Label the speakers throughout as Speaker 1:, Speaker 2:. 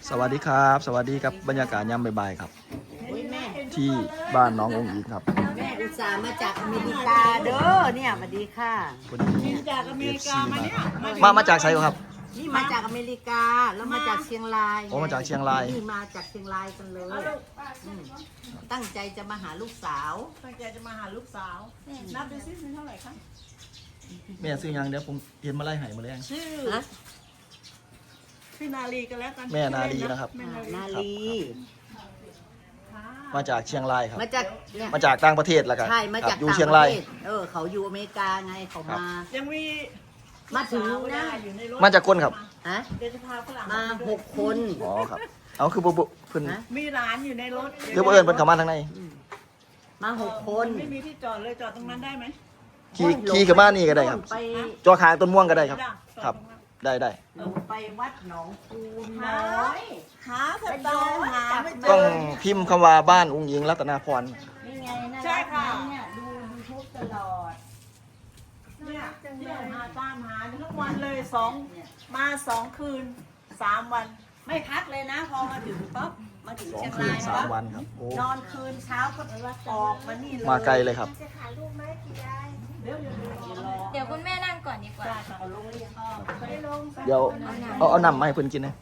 Speaker 1: สวัสดีครับสวัสดีครับบรรยากาศยามบ่ายๆครับที่บ้านน้ององค์อีกครับ
Speaker 2: แม่อุตส่าห์มาจากอเมริกาเด้อเนี่ยสวัสดีค่ะ
Speaker 3: จากอเมริกามาเนี่ย
Speaker 1: มาจากไซโอครับ
Speaker 2: นี่มาจากอเมริกาแล้วมาจากเชียงราย
Speaker 1: โอ้มาจากเชียงราย
Speaker 2: นี่มาจากเชียงรายกันเลยตั้งใจจะมาหาลูกสาว
Speaker 3: ตั้งใจจะมาหาลูกสาวนับดูซิมีเท่าไหร่คะ
Speaker 1: แม่ซื้อยังเดี๋ยวผมเห็นมาไล่ไห่มาแล้ว
Speaker 3: ชื่อพี่นาลีกันแล้วกัน
Speaker 1: แม่นาลีนะครับ
Speaker 2: นาลี
Speaker 1: มาจากเชียงรายครับ
Speaker 2: มาจากเนี่ย
Speaker 1: มาจากต่างประเทศแล้วกัน
Speaker 2: ใช่มาจาก
Speaker 1: อยู่
Speaker 2: ต่าง
Speaker 1: เชียง
Speaker 2: ประ
Speaker 1: ราย
Speaker 2: เทศเขาอยู่อเมริกาไงเขามา
Speaker 3: ยังมี
Speaker 2: มาถึงนะ
Speaker 3: อยู่ในรถ
Speaker 1: มาจากคนครับ
Speaker 2: ฮะ
Speaker 3: เดี๋ยวจะพาฝรั่ง
Speaker 2: มา6 คน
Speaker 1: อ๋อครับเอาคือบุเพิ่น
Speaker 2: ฮะ
Speaker 3: มีหลานอยู่ในรถ
Speaker 1: เดี๋ยวเอิญเพิ่นเข้ามาทางใน
Speaker 2: มา6 คน
Speaker 3: ไม่มีที่จอดเลยจอดตรงนั้นได้ไหม
Speaker 1: ขี่ขึ้นมานี่ก็ได้ครับ
Speaker 2: ไป
Speaker 1: จอคางต้นม่วงก็ได้ครับ ครับ ได้
Speaker 2: ไปวัดหนองคูน้อย
Speaker 3: หาเถอะตาหาไม่เจ
Speaker 1: ต้อง
Speaker 3: อ
Speaker 1: พิมพ์คำว่าบ้านองค์หญิงรัตนาพร
Speaker 2: นี่ไงน่า
Speaker 3: ใช่
Speaker 2: รัก
Speaker 3: ค่ะ
Speaker 2: นะเนี่ยดูยูทูบตลอด
Speaker 3: เนี่ยเที่ยวหาตามหาทุกวันเลยมา2 คืน 3 วัน
Speaker 2: ไม่พักเลยนะ พอมาถึงปั๊บมาถึง
Speaker 1: 2
Speaker 2: เชียง
Speaker 1: คื
Speaker 2: ราน ย
Speaker 1: 3 วันครับโอ้
Speaker 2: นอนคืนเช้าก็ออกมานี่เลย
Speaker 1: มาไกลเลยครับ
Speaker 4: เดี๋ยวคุณแม่นั่งก่อนดีกว่า
Speaker 2: เอาลงหรือยัง
Speaker 1: เดี๋ยวเอาน้ำมาให้เพิ่นกินนะ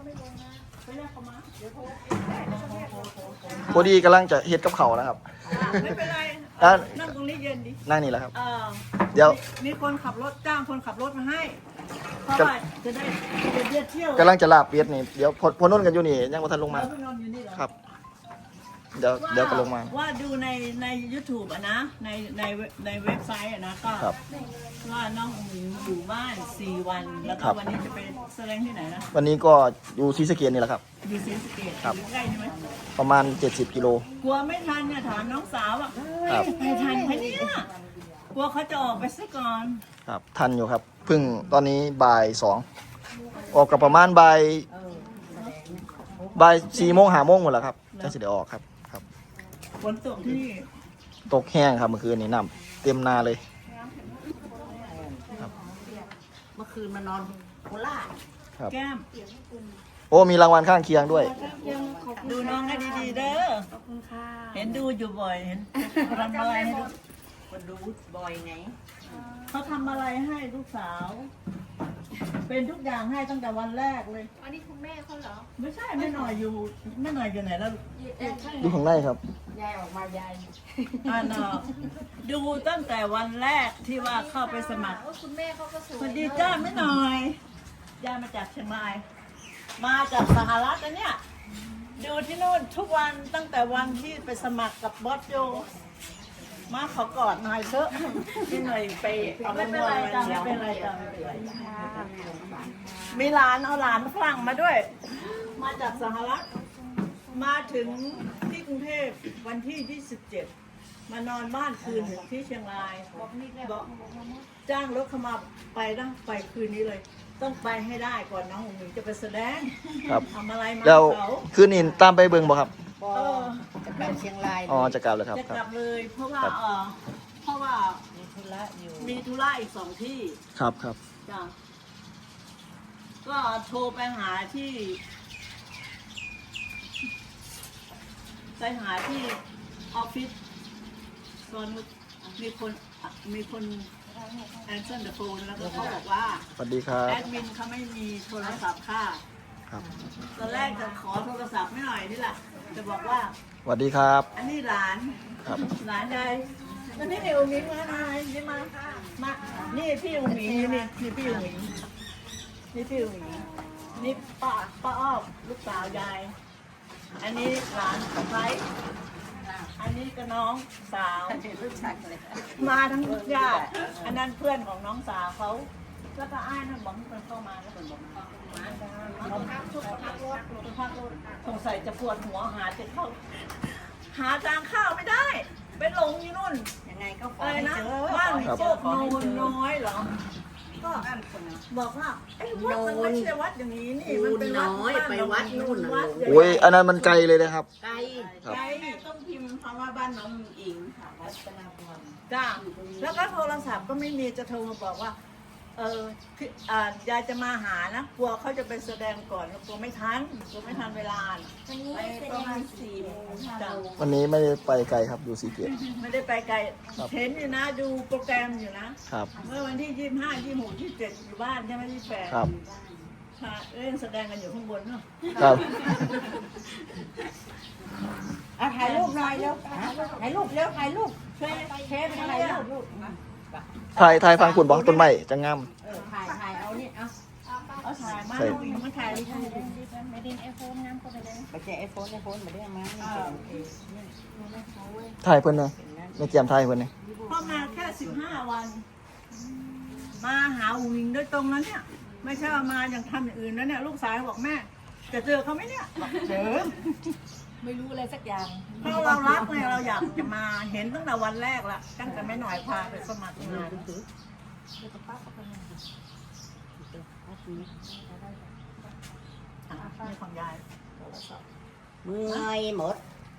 Speaker 1: พอดีกำลังจะเฮ็ดกับเขาวนะครับ
Speaker 3: ไม่เป็นไร
Speaker 1: อ่ะ
Speaker 3: นั่งตรงนี้เย็นดิ
Speaker 1: นั่งนี่แหละครับ
Speaker 3: เออ
Speaker 1: เดี๋ยว
Speaker 3: มีคนขับรถจ้างคนขับรถมาให้เพราะว่าจะได้เที่ยว
Speaker 1: กำลังจะลาบเป็ดนี่เดี๋ยวพอนุ่นกันอยู่นี่ยังบ่ทันลงมา
Speaker 3: แล้วไปนอนอยู่นี่เหรอ
Speaker 1: ครับ เดี๋ยวก็ลงมา
Speaker 3: ว่าดูใน YouTube อะนะในเว็บไซต์อะนะก็
Speaker 1: ครับ
Speaker 3: ว่าน้องอุ๋งอยู่บ้าน4 วัน แล้วก็
Speaker 1: ครับ
Speaker 3: วันนี้จะไปแสดงที่ไหนนะ
Speaker 1: วันนี้ก็อยู่ศรีสะเกษนี่แหละครับ
Speaker 3: อยู่ศรีสะเกษ
Speaker 1: ครับ
Speaker 3: อยู่ใกล้ใช่ไหม
Speaker 1: ประมาณ70 กิโล
Speaker 3: กลัวไม่ทันเนี่ยถามน้องสาวอ่ะ
Speaker 1: ครับ
Speaker 3: ไปทันไหมเนี่ยกลัวเขาจะออกไปซะก่อน
Speaker 1: ครับทันอยู่ครับเพิ่งตอนนี้บ่าย 2ออกกับประมาณบ่าย4 โมง 5 โมงหมดแล้วครับจะสิได้ออกครับ
Speaker 3: ฝนตกที่นี่
Speaker 1: ตกแห้งครับเมื่อคืนนี้น้ำเต็มนาเลย
Speaker 2: เมื่อคืนมานอนโคราช
Speaker 1: ครับ
Speaker 3: แก้ม
Speaker 1: โอ้มีรางวัลข้างเคียงด้วย
Speaker 3: ดูน้องให้ดีๆเด้อ
Speaker 4: ขอบคุณค่ะ
Speaker 3: เห็นดูอยู่บ่อยเห็นทำอะไรให้ดู
Speaker 2: คนดูบ่อยไง
Speaker 3: เขาทำอะไรให้ลูกสาว เป็นทุกอย่างให้ตั้งแต่วันแรกเลย
Speaker 4: อันนี้คุณแม่เขาเหรอ
Speaker 3: ไม่ใช่แม่หน่อยอยู่แม่หน่อยอยู่ไหนแล้ว
Speaker 1: ดูข้างในครับ
Speaker 2: ยายออกมายาย
Speaker 3: อ่าเนาะดูตั้งแต่วันแรกที่ว่าเข้าไปสมัคร
Speaker 4: โอ้คุณแม่เขาก็ส
Speaker 3: ส
Speaker 4: ว
Speaker 3: วั
Speaker 4: ย
Speaker 3: สดีจ้าแม่หน่อยย่ามาจากเชียงราย มาจากสหรัฐนะเนี่ย ดูที่นู่นทุกวันตั้งแต่วันที่ไปสมัครกับบอสโจ มาขอกอดหน่อยเถอะพี่หน่อยไปเอาไม่เป็นไรจ้าไม่เป็นไรจ้าไม่เป็นไรมีหลานเอาหลานฝรั่งมาด้วย มาจากสหรัฐ มาถึงที่กรุงเทพวันที่27มานอนบ้านคืนหนึ่งที่เชียงรายบอกจ้างรถเข้ามาไปนะไปคืนนี้เลย ต้องไปให้ได้ก่อนน้องหนูจะไปแสดง
Speaker 1: ครับ
Speaker 3: ทำอะไรมา
Speaker 1: แล้ว
Speaker 3: เขา
Speaker 1: คืนนี้ตามไปเบิ่งบ่ครับ
Speaker 2: พอจะกลับเชียงราย
Speaker 1: อ๋อจะกลับแล้วครับ
Speaker 3: จะ
Speaker 1: ค
Speaker 3: ก
Speaker 1: รั
Speaker 3: ลั
Speaker 1: บบ
Speaker 3: เลยเพราะว่า
Speaker 1: ครับ
Speaker 3: เพราะว่า
Speaker 2: มีธุระอยู่
Speaker 3: มีธุระอีก2 ที่
Speaker 1: ครับครับ
Speaker 3: จ้ะก็โทรไปหาที่ออฟฟิศส่วนมีคนแอนเซอร์เดอะโฟนแล้วก็เขาบอกว่า
Speaker 1: สวัสดีครับ
Speaker 3: แอดมินเขาไม่มีโทรศัพท์ค่ะ
Speaker 1: ครับ
Speaker 3: ตอนแรกจะขอโทรศัพท์ไม่หน่อยนี่แหละจะบอกว่า
Speaker 1: สวัสดีครับ
Speaker 3: อันนี้หลาน
Speaker 1: ครับ
Speaker 3: หลานยายแล้วนี่อุ๋งอิงมาหน่อยนี่มานี่พี่อุ๋งอิงนี่พี่อุ๋งอิงนี่พี่อุ๋งอิงนี่ป้าอ้อมลูกสาวยาย อันนี้หลานสะใภ้อันนี้ก็น้องสาว
Speaker 2: รู้จักเลย
Speaker 3: มาทั้งญาติอันนั้นเพื่อนของน้องสาวเขา แล้วก็อ้ายนั่นบอกให้คนเข้ามาแล้วคนบอกมาเขาพักรถสงสัยจะปวดหัวหาจะเข้า หาทางเข้าไม่ได้ ไปหลงอยู่นู่น
Speaker 2: ยังไงก็ขอ
Speaker 3: อะไร
Speaker 2: ให้
Speaker 3: นะ
Speaker 2: เจอ
Speaker 3: บ้าน
Speaker 2: ขอให้
Speaker 3: โค
Speaker 2: เจอก ขอ
Speaker 3: โน
Speaker 2: ให้
Speaker 3: น
Speaker 2: เจอ
Speaker 3: น้อยเหรอ ก็บอกว่าไอ้วัดมันไม่ใช่วัดอย่างนี้นี่มันเป็นวัด
Speaker 2: น้อยไปวัดนู่นน่ะ
Speaker 3: วัด
Speaker 1: โอ้ยอันนั้นมันไกลเลยนะครับ
Speaker 2: ไกล
Speaker 1: ครับ
Speaker 3: ไกลต้องพิมพ์คำว่าบ้านน้องอิงค่ะ
Speaker 2: วัดปนาพร
Speaker 3: จ้าแล้วก็โทรศัพท์ก็ไม่มีจะโทรมาบอกว่ายายจะมาหานะกลัวเขาจะไปแสดงก่อนกลัวไม่ทันเวลาน่ะ
Speaker 4: วันนี้
Speaker 3: ไป
Speaker 4: แส
Speaker 3: ประ
Speaker 4: ด
Speaker 3: มาง ณ4 โมงจ้ะ
Speaker 1: วันนี้ไม่ได้ไปไกลครับอยู่สีเกต
Speaker 3: ไม่ได้ไปไกล
Speaker 1: ครับ
Speaker 3: เห็นอยู่นะดูโปรแกรมอยู่นะครับ เมื่อวันที่ 25 26 27อยู่บ้านใช่ไหม28
Speaker 1: ครับ
Speaker 3: ค่ะเล่นแสดงกันอยู่ข้างบนเนาะ
Speaker 1: ครับ
Speaker 2: ถ่ายรูปหน่อยเร็วถ่ายรูปเร็วถ่ายรูป
Speaker 3: เช่วย
Speaker 2: เชฟถ่ายรูป
Speaker 1: ถ่ายฟังคุณบอกต้นไม้จะงาม
Speaker 2: ถ่ายเอานี่เอา
Speaker 3: เอาถ่ายมา
Speaker 1: ใช่
Speaker 3: เอาวิ่งมาถ่ายรูป
Speaker 4: ไม่ได้ไอโฟนน้ำก็ไปเลย
Speaker 2: ไปแจกไอโฟนมาได้ไหม
Speaker 1: ถ่ายเพิ่นนะในเกียมถ่ายเพิ่นนี่
Speaker 3: พ่อมาแค่ 15 วัน มาหาวิ่งโดยตรงแล้วเนี่ย ไม่ใช่ว่ามาอย่างทำอย่างอื่นแล้วเนี่ยลูกสาวบอกแม่จะเจอเขาไหมเนี่ยบอกเจอ
Speaker 4: ไม่รู้อะไรสักอย่าง
Speaker 3: เพราะเรารักเนี่ยเราอยากจะมาเห็นตั้งแต่วันแรกละตั้งแต่แม่หน่อยพาไปสมัครงานนี่ของยาย
Speaker 2: เมื่อยหมด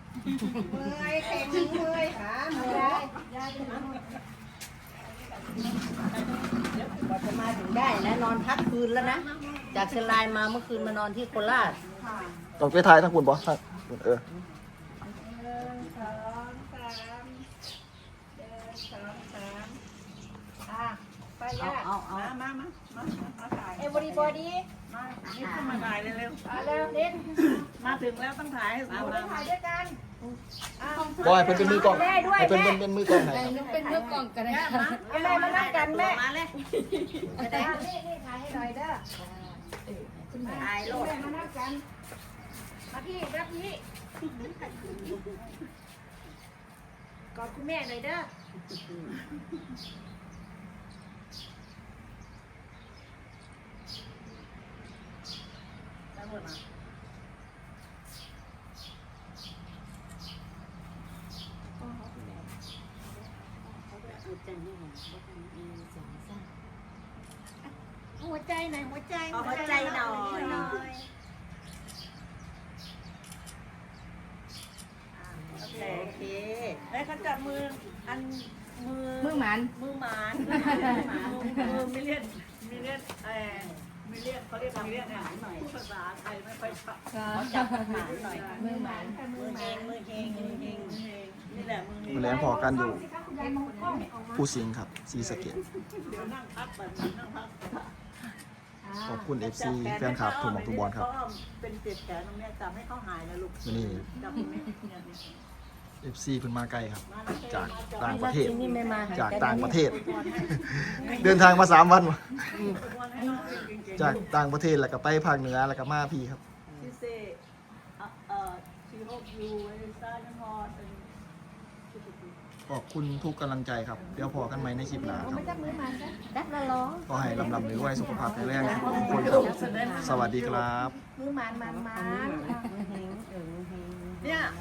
Speaker 2: กว่าจะมาถึงได้นะนอนพักคืนแล้วนะ จากเชียงรายมาเมื่อคืนมานอนที่โคราช
Speaker 1: ต้องไปถ่ายทั้งคุณบอกทั้งคุณ
Speaker 3: เอามาถ่าย
Speaker 4: เอวอรีบอดี้
Speaker 3: มานี่ขึ้นมาถ่ายเร็ว
Speaker 4: เร็วเด่น
Speaker 3: ๆมาถึงแล้วต้องถ่ายให้เรา
Speaker 4: ถ่ายด้วยกัน
Speaker 1: บอยเพิ่นเป็นมือกล้องให้เพิ่นเป็นมือกล้องให้ครับ
Speaker 4: เป็นเมื่อกล่องกันนะ
Speaker 2: เอาแม่มานั่งกันแม่
Speaker 3: มาเลย
Speaker 4: นี่ถ่ายให้หน่อยเด้อ
Speaker 2: ถ่ายโลด
Speaker 4: มานั่งกันมาพี่รับพี่กอดคุณแม่หน่อยเด้อ หัวใจหน่อยหัวใจ
Speaker 3: เอาหัวใจหน่อย โอเคแล้วเขาจับมืออันมือหมานมือไม่เรียกไม่เรียกเขาเรียกไม่เรียกพูดภาษาไทยไม่ค่อยชัด
Speaker 2: จับหมาหน่อย
Speaker 4: มือหมัน
Speaker 3: มือเฮงนี่แหละมือเฮง
Speaker 1: มือแรงพอกันอยู่ผู้สิงห์ครับสีสะเกต
Speaker 3: เดี๋ยวนั่งพักแบบนั่งพัก
Speaker 1: ขอบคุณ FC แฟนคลับทุกหมองทุกบอลครับ
Speaker 3: เป็นเจ็บแขนตรงนี้จับให้เขาหายนะลูก
Speaker 1: นี่
Speaker 3: จับตรงนี้เนี่ย
Speaker 1: FC เพิ่นมาไกลครับ จากต่างประเทศ
Speaker 2: นี่ไม่มา
Speaker 1: จากต่างประเทศ เดินทางมา3 วันว่ะจากต่างประเทศแล้วก็ไปภาคเหนือแล้วก็มาพี่ครับ
Speaker 3: ที่เซชีโฮยูไอ้ซ่าน้ำฮอด
Speaker 1: ขอบคุณทุกกำลังใจครับ เดี๋ยวพอกันไหมในคลิปหน้าครับ
Speaker 2: ดับละล้อ
Speaker 1: ก็ให้ลำๆรวยๆสุขภาพแข็งแรงทุกคนครับ สวัสดีครับ
Speaker 2: มือหมาน
Speaker 3: เนี่ย